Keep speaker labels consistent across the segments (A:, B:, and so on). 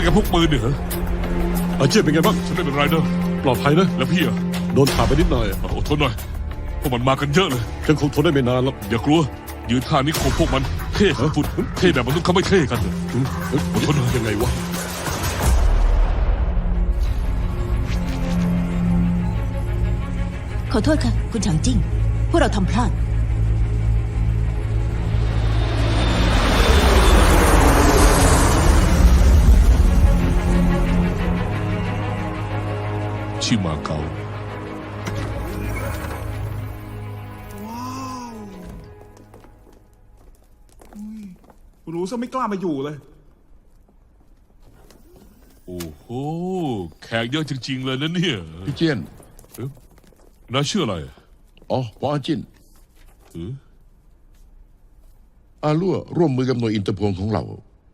A: ไงพวกปืนเนี่ยเหรอ
B: อาเจียนเป็นไงบ้าง
A: ฉันไม่เป็นไรนะ
B: ปลอดภัยนะ
A: แล้วพี่อะ
B: โดนถากไปนิดหน่อย
A: อดทนหน่อยพวกมันมากันเยอะเลย
B: ฉันคงทนได้ไม่นานแล้ว
A: อย่ากลัวยืนท่านี้คงพวกมันเท่ขึ้นฟุดเท่แบบมนุษย์เขาไม่เท่กันเลย
B: อดทนยังไงวะ
C: ขอโทษค่ะ คุณฉางจิ้งพวกเราทำพลาด
A: ชิมาเกา
D: รู้ซะไม่กล้ามาอยู่เลย
A: โอ้โหแขกเยอะจริงๆเลยนะเนี่ย
E: พี่เจียน
A: น้าชื่ออะไร
E: อ๋อปออาจิน
A: เออ
E: อาลั่วร่วมมือกับหน่วยอินเตอร์โพลของเรา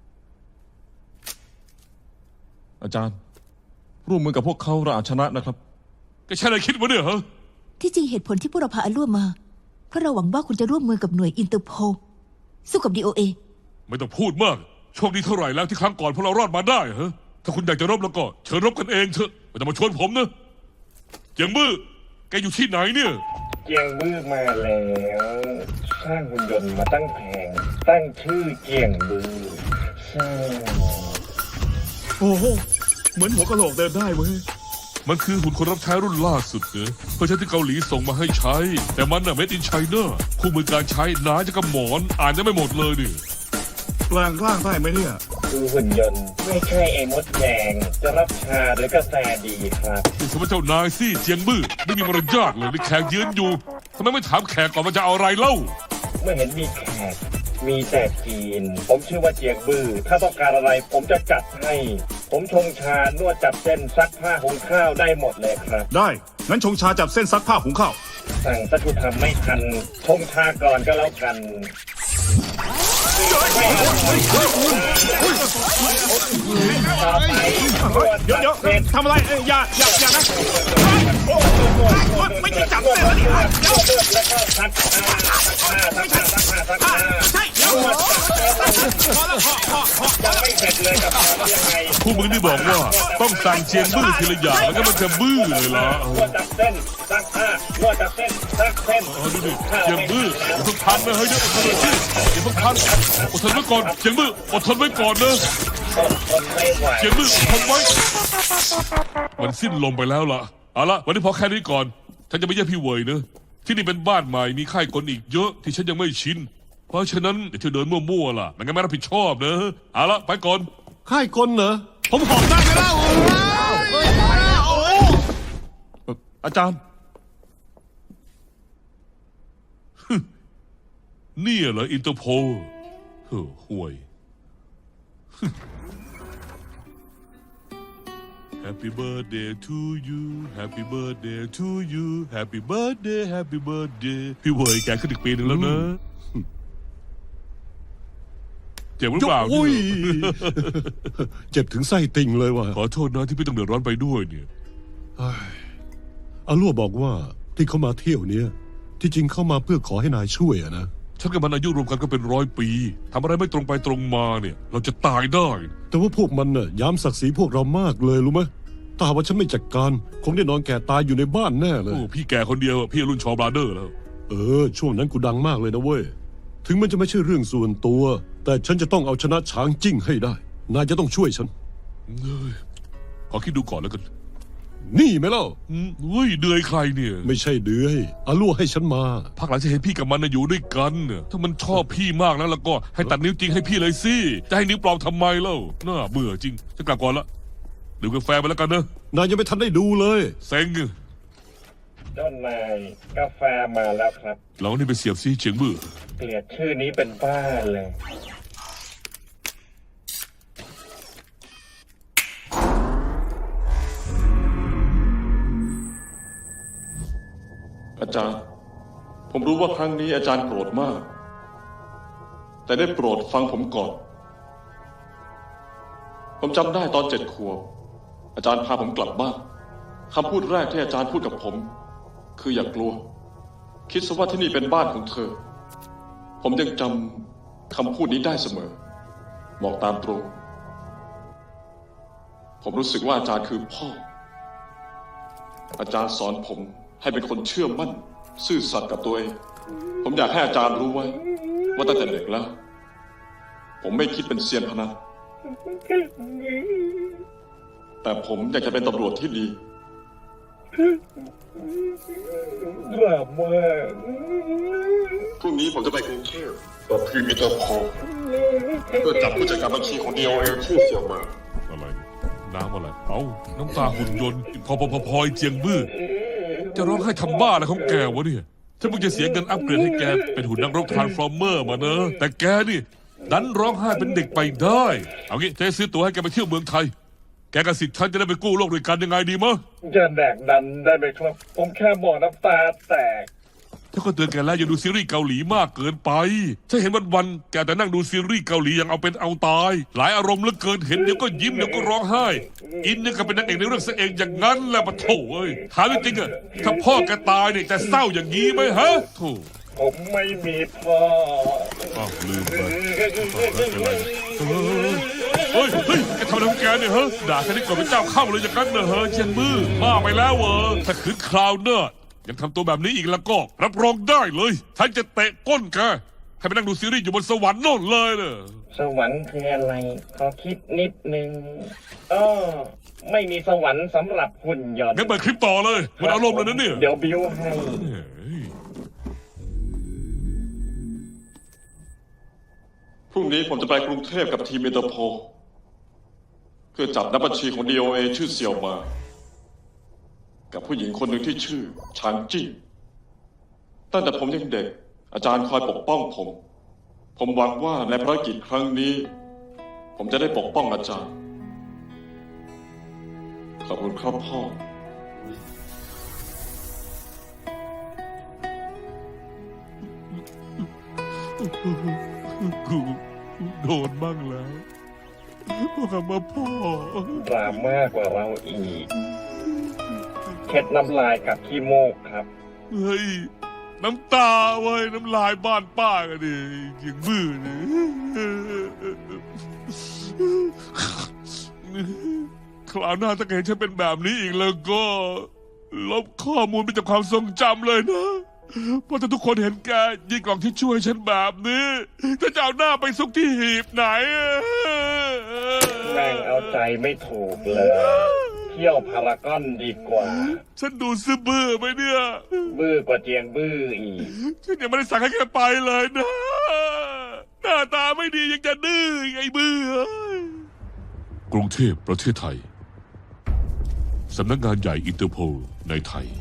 F: อาจารย์ ร่วมมือกับพวกเขาเราอาจชนะนะครับ
A: แกใช่อะไรคิดวะเนี่ยฮะ
C: ที่จริงเหตุผลที่พวกเราพาอาล่วมาเพราะเราหวังว่าคุณจะร่วมมือกับหน่วยอินเตอร์โพลสู้กับ DOA
A: ไม่ต้องพูดมากโชคดีเท่าไหร่แล้วที่ครั้งก่อนพวกเรารอดมาได้ฮะถ้าคุณอยากจะรบแล้วก็เชิญรบกันเองเถอะไม่ต้องมาชวนผมนะเจียงบื้อแกอยู่ที่ไหนเนี่ย
G: เจียงบื้อมาแล้วสร้างหุ่นยนต์มาตั้งแผงตั้งชื่อเจียงบื้อสร้าง
D: โอ้โห เหมือนหัวกะโหลกเดินได้เว้ย
A: มันคือหุ่นคนรับใช้รุ่นล่าสุดเนอะเพื่อใช้ที่เกาหลีส่งมาให้ใช้ แต่มันน่ะ made in China คู่มือการใช้หนาจะกับหมอนอ่านจะไม่หมดเลยนี่
D: แปลงร่างได้ไหมเนี่ย
G: คือหุ่นยนต์ไม่ใช่ไอ้มดแดง จะรับชาหรือกาแฟดีครับ
A: นี่สมมติเจ้านายสิเจียงบื้อไม่มีมารยาทเลยนี่แขกยืนอยู่ทำไมไม่ถามแขกก่อนมันจะเอาอะไรเล่า
G: ไม่เห็นมีแขกมีแต่จีน ผมชื่อว่าเจียงบื้อถ้าต้องการอะไรผมจะจัดให้ ผมชงชานวดจับเส้นซักผ้าหุงข้าวได้หมดเลยครับ
D: ได้ งั้นชงชาจับเส้นซักผ้าหุงข้าว
G: สั่งสักทุทำไม่ทันชงชาก่อนก็แล้วกัน ต่อไปนวด
D: เดี๋ยว
G: จับเส้น
D: ทำอะไรอย่านะ ไม่ใช่จับเส้น
G: แล้วก็ซักผ้าใช่ยังไม่เสร็จเลยกับยังไง
A: คู่มือนี่บอกว่าต้องสั่งเจียงบื้อทีละอย่างแล้วก็มันจะบื้อเลยล่ะ
G: นวดจับเส้นซักผ้านวดจับเส้นซักเส้น
A: ดูดิเจียงบื้ออย่าเพิ่งทันนะเฮ้ยเดี๋ยวอดทนหน่อยสิอย่าเพิ่งทันอดทนไว้ก่อนเจียงบื้ออดทนไว้ก่อนนะ
G: ทนไม่ไหว
A: เจียงบื้ออดทนไว้มันสิ้นลมไปแล้วล่ะเอาละวันนี้พอแค่นี้ก่อนฉันจะไปเยี่ยมพี่เวยนะที่นี่เป็นบ้านใหม่มีค่ายคนอีกเยอะที่ฉันยังไม่ชินเพราะฉะนั้นอย่าเที่ยวเดินมั่วๆล่ะไม่งั้นไม่รับผิดชอบนะเอาละไปก่อน
B: ค่ายกลเหรอ ผมหอบได้ไหมเล่า
F: อาจารย์
A: เนี่ยเหรออินเตอร์โพลห่วย Happy birthday to you Happy birthday to you Happy birthday Happy birthday พี่เวยแกขึ้นอีกปีหนึ่งแล้วนะเจ็บหรือเปล่า
B: โอ้ย
A: เนี่ย
B: เจ็บถึงไส้ติ่งเลยว่ะ
A: ขอโทษนะที่พี่ต้องเดือดร้อนไปด้วยเนี่ย
B: อาลั่วบอกว่าที่เขามาเที่ยวเนี้ยที่จริงเข้ามาเพื่อขอให้นายช่วยอะนะ
A: ฉันกับมันอายุรวมกันก็เป็น100 ปีทำอะไรไม่ตรงไปตรงมาเนี่ย เราจะตายได้
B: แต่ว่าพวกมันน่ะย้ำศักดิ์ศรีพวกเรามากเลยรู้ไหมถ้าหากว่าฉันไม่จัดการคงได้นอนแก่ตายอยู่ในบ้านแน่เลย
A: โอ้พี่แกคนเดียวพี่รุ่นชอบราเดอร์แล้ว
B: ช่วงนั้นกูดังมากเลยนะเว้ย ถึงมันจะไม่ใช่เรื่องส่วนตัว แต่ฉันจะต้องเอาชนะช้างจิ้งให้ได้ นายจะต้องช่วยฉัน
A: ขอคิดดูก่อนแล้วกัน
B: นี่ไหมเล่า
A: เฮ้ยเดือยใครเนี่ย
B: ไม่ใช่เดือยอาลั่วให้ฉันมา
A: พักหลังจะเห็นพี่กับมันนะอยู่ด้วยกันเนี่ยถ้ามันชอบพี่มากแล้วก็ให้ตัดนิ้วจริงให้พี่เลยสิจะให้นิ้วปลอมทำไมเล่าน่าเบื่อจริงจะกลับก่อนละดื่มกาแฟไปแล้วกันนะ
B: นายยังไม่ทันได้ดูเลย
A: เซ็ง
G: เจ้านายกาแฟมาแล้วครับ
A: เรานี่ไปเสียบซีเฉียงบื้อ
G: เกลียดชื่อนี้เป็นบ้าเลย
F: อาจารย์ ผมรู้ว่าครั้งนี้อาจารย์โกรธมาก แต่ได้โปรดฟังผมก่อน ผมจำได้ตอน7 ขวบอาจารย์พาผมกลับบ้านคำพูดแรกที่อาจารย์พูดกับผม คืออย่ากลัว คิดซะว่าที่นี่เป็นบ้านของเธอ ผมยังจำคำพูดนี้ได้เสมอบอกตามตรงผมรู้สึกว่าอาจารย์คือพ่อ อาจารย์สอนผมให้เป็นคนเชื่อมั่น ซื่อสัตย์กับตัวเอง ผมอยากให้อาจารย์รู้ไว้ ว่าตั้งแต่เด็กแล้ว ผมไม่คิดเป็นเซียนพนันแต่ผมอยากจะเป็นตำรวจที่ดี
G: กลับมา
F: พรุ่งนี้ผมจะไปกรุงเทพกับทีมอินเตอร์โพลเพื่อจับผู้จัดการบัญชีของ DOA ชื่อเสี่ยวมา
A: อะไรเนี่ยน้ำอะไร เอาน้ำตาหุ่นยนต์พอยเจียงบื้อ จะร้องให้ทำบ้าอะไรของแกวะเนี่ยฉันเพิ่งจะเสียเงินอัปเกรดให้แกเป็นหุ่นนักรบทรานส์ฟอร์เมอร์มาเนอะแต่แกนี่ดันร้องไห้เป็นเด็กไปได้ เอางี้จะให้ซื้อตั๋วให้แกไปเที่ยวเมืองไทย แกกับสิทธิ์ฉันจะได้ไปกู้โลกด้วยกันยังไงดีมะ
G: จะแดกดันได้ไหมครับ ผมแค่บอกน้ำตาแตก
A: ถ้าก็เตือนแกแล้วอย่าดูซีรีส์เกาหลีมากเกินไปฉันเห็นวันๆแกแต่นั่งดูซีรีส์เกาหลีอย่างเอาเป็นเอาตาย หลายอารมณ์เหลือเกินเห็นเดี๋ยวก็ยิ้มเดี๋ยวก็ร้องไห้ อินเนี่ยก็เป็นนางเอกในเรื่องซะเองอย่างนั้นแหละปะโถเอ้ยถามจริงๆอะถ้าพ่อแกตายเนี่ยจะเศร้าอย่างนี้ไหมฮะโถ
G: ผมไม่มีพ่อ
A: อ้าวลืมไปเฮ้ยแกทำอะไรของแกเนี่ยฮะด่าแค่นี้ก่อนเป็นเจ้าเข้าเลยอย่างนั้นเนอะเฮ้ยเชียงมือบ้าไปแล้วเวอถ้าขืนคราวเนอะยังทำตัวแบบนี้อีกแล้วก็รับรองได้เลยท่านจะเตะก้นแกให้ไปนั่งดูซีรีส์อยู่บนสวรรค์โน่นเลยเนอะ
G: สวรรค์คืออะไรขอคิดนิดนึงไม่มีสวรรค์สำหรับหุ่นยนต์
A: งั้นเปิดคลิปต่อเลยมันอารมณ์เลยนะเนี่ย
G: เดี๋ยวบิวให้
F: พรุ่งนี้ผมจะไปกรุงเทพกับทีมอินเตอร์โพลเพื่อจับนักบัญชีของ DOA ชื่อเสี่ยวมา กับผู้หญิงคนหนึ่งที่ชื่อชางจิ้งตั้งแต่ผมยังเด็ก อาจารย์คอยปกป้องผม ผมหวังว่าในภารกิจครั้งนี้ ผมจะได้ปกป้องอาจารย์ ขอบคุณครับพ่อ
A: กูโดนบ้างแล้วพวกคำว่าพ่อ
G: ดราม่ากว่าเราอีกเข็ดน้ำลายกับขี้มูกครับ
A: เฮ้ยน้ำตาเว้ยน้ำลายบ้านป้ากันดิอย่างมือนี่คราวหน้าถ้าเห็นฉันเป็นแบบนี้อีกแล้วก็ลบข้อมูลไปจากความทรงจำเลยนะเพราะถ้าทุกคนเห็นแกยิงกล่องที่ช่วยฉันแบบนี้จะเอาหน้าไปซุกที่หีบไหน
G: แม่งเอาใจไม่ถูกเลย เที่ยวพารากอนดีกว่า
A: ฉันดูซื่อบื้อไหมเนี่ย
G: บื้อกว่าเจียงบื้ออีก
A: ฉันยังไม่ได้สั่งให้แกไปเลยนะ หน้าตาไม่ดียังจะดื้อไงบื้อกรุงเทพประเทศไทย สำนักงานใหญ่อินเตอร์โพลในไทย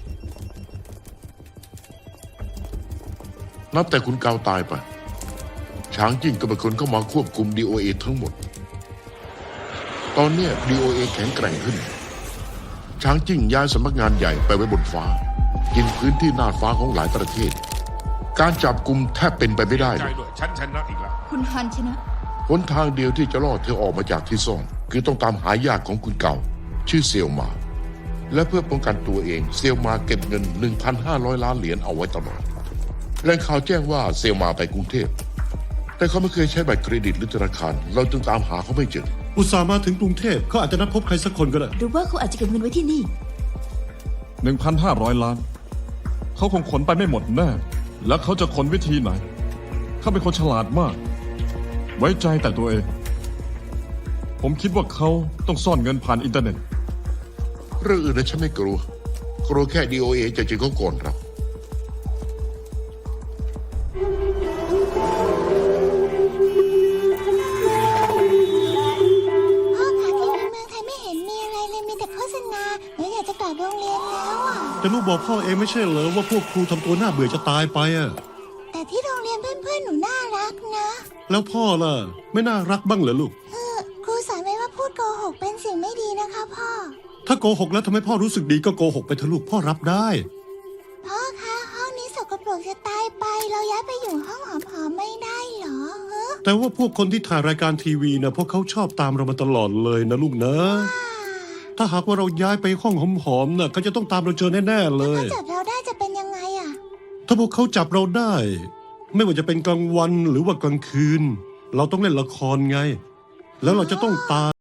E: นับแต่คุณเกาตายไป ช้างจิ้งก็เป็นคนเข้ามาควบคุม DOA ทั้งหมด ตอนเนี้ย DOA แข็งแกร่งขึ้น ช้างจิ้งย้ายสำนักงานใหญ่ไปไว้บนฟ้า กินพื้นที่หน้าฟ้าของหลายประเทศ การจับกลุ่มแทบเป็นไปไม่ได้
A: ใจ
E: เลย
A: ด้วยฉันชนะอีกแล้ว
C: คุณฮันชนะ
E: หนทางเดียวที่จะรอดเธอออกมาจากที่ซ่อนคือต้องตามหาญาติของคุณเก่า ชื่อเซียวมา และเพื่อป้องกันตัวเองเซียวมาเก็บเงิน 1,500 ล้านเหรียญเอาไว้ตลอดแหล่งข่าวแจ้งว่าเซียวมาไปกรุงเทพแต่เขาไม่เคยใช้บัตรเครดิตหรือธนาคารเราจึงตามหาเขาไม่เจอ
B: อุตส่าห์มาถึงกรุงเทพเขาอาจจะนัดพบใครสักคนก็ได้
C: หรือว่าเขาอาจจะเก็บเงินไว้ที่นี่
D: 1,500 ล้าน เขาคงขนไปไม่หมดแน่ แล้วเขาจะขนวิธีไหน เขาเป็นคนฉลาดมาก ไว้ใจแต่ตัวเอง ผมคิดว่าเขาต้องซ่อนเงินผ่านอินเทอร์เน็ต
E: เรื่องอื่นนะฉันไม่กลัวแค่ DOA จะเจอเขาก่อนครับ
H: พ่อคะที่เมืองไทยไม่เห็นมีอะไรเลยมีแต่โฆษณาหนูอยากจะกลับโรงเรียนแล้วอ่ะ
B: แต่ลูกบอกพ่อเองไม่ใช่เหรอว่าพวกครูทำตัวน่าเบื่อจะตายไปอะ
H: แต่ที่โรงเรียนเพื่อนๆหนูน่ารักนะ
B: แล้วพ่อล่ะ ไม่น่ารักบ้างเหรอลูก
H: ครูสอนไว้ว่าพูดโกหกเป็นสิ่งไม่ดีนะคะพ่อ
B: ถ้าโกหกแล้วทำให้พ่อรู้สึกดีก็โกหกไปเถอะลูกพ่อรับได้
H: พ่อคะห้องนี้สกปรกจะตายไป เราย้ายไปอยู่ห้องหอมๆไม่ได้เหรอฮะ
B: แต่ว่าพวกคนที่ถ่ายรายการทีวีนะพวกเขาชอบตามเรามาตลอดเลยนะลูกนะ ถ้าหากว่าเราย้ายไปห้องหอมๆน่ะเขาจะต้องตามเราเจอแน่ๆเลย
H: ถ้าจับเราได้จะเป็นยังไงอ่ะ
B: ถ้าพวกเขาจับเราได้ ไม่ว่าจะเป็นกลางวันหรือว่ากลางคืน เราต้องเล่นละครไง แล้วเราจะต้องตาม